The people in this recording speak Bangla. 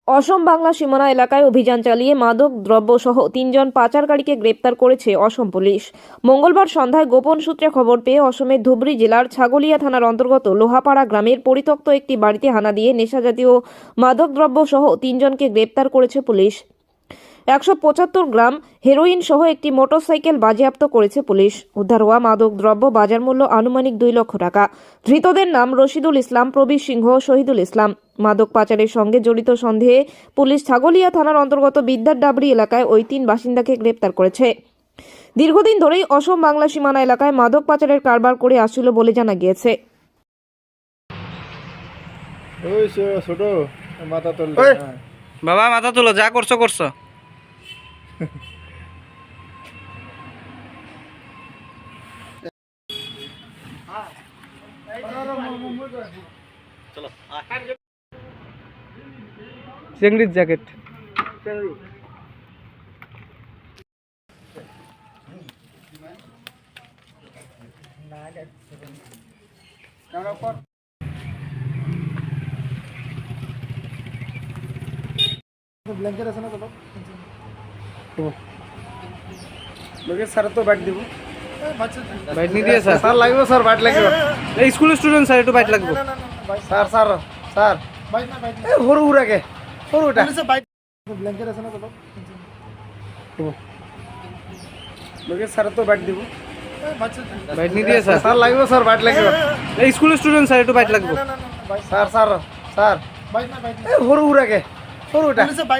অসম বাংলা সীমানা এলাকায় অভিযান চালিয়ে মাদক দ্রব্যসহ 3 জন পাচারকারীকে গ্রেপ্তার করেছে অসম পুলিশ। মঙ্গলবার সন্ধ্যায় গোপন সূত্রে খবর পেয়ে অসমের ধুবরী জেলার ছাগলিয়া থানার অন্তর্গত লোহাপাড়া গ্রামের পরিত্যক্ত একটি বাড়িতে হানা দিয়ে নেশাজাতীয় মাদকদ্রব্যসহ 3 জনকে গ্রেপ্তার করেছে পুলিশ। 175 গ্রাম হেরোইন সহ একটি মোটরসাইকেল বাজেয়াপ্ত করেছে পুলিশ। উদ্ধার হওয়া মাদক দ্রব্য বাজার মূল্য আনুমানিক 2 লক্ষ টাকা। ধৃতদের নাম রশিদুল ইসলাম, প্রবীর সিংহ, শহীদুল ইসলাম। মাদক পাচারের সঙ্গে জড়িত সন্দেহে পুলিশ ছাগলিয়া থানার অন্তর্গত বিদ্যারডাবরি এলাকায় ওই 3 বাসিন্দাকে গ্রেপ্তার করেছে। দীর্ঘদিন ধরেই অসম বাংলা সীমানা এলাকায় মাদক পাচারের কারবার করে আসছিল বলে জানা গিয়েছে। ছোট মাথা তোল বাবা মাথা তুলো, যা করছো করছো। চেংড়ির জ্যাকেট ব্ল্যাঙ্কেট আছে না তো লোকে স্যার তো ব্যাট দিব বাইট নি দিয়ে স্যার স্যার লাগবে স্যার ব্যাট লাগবে এই স্কুলের স্টুডেন্ট স্যার একটু বাইট লাগবে। স্যার স্যার স্যার হরু উড়াকে হরুটা ব্ল্যাঙ্কেট আছে না তো লোকে স্যার তো ব্যাট দিব বাইট নি দিয়ে স্যার স্যার লাগবে স্যার ব্যাট লাগবে এই স্কুলের স্টুডেন্ট স্যার একটু বাইট লাগবে। স্যার স্যার স্যার হরু উড়াকে হরুটা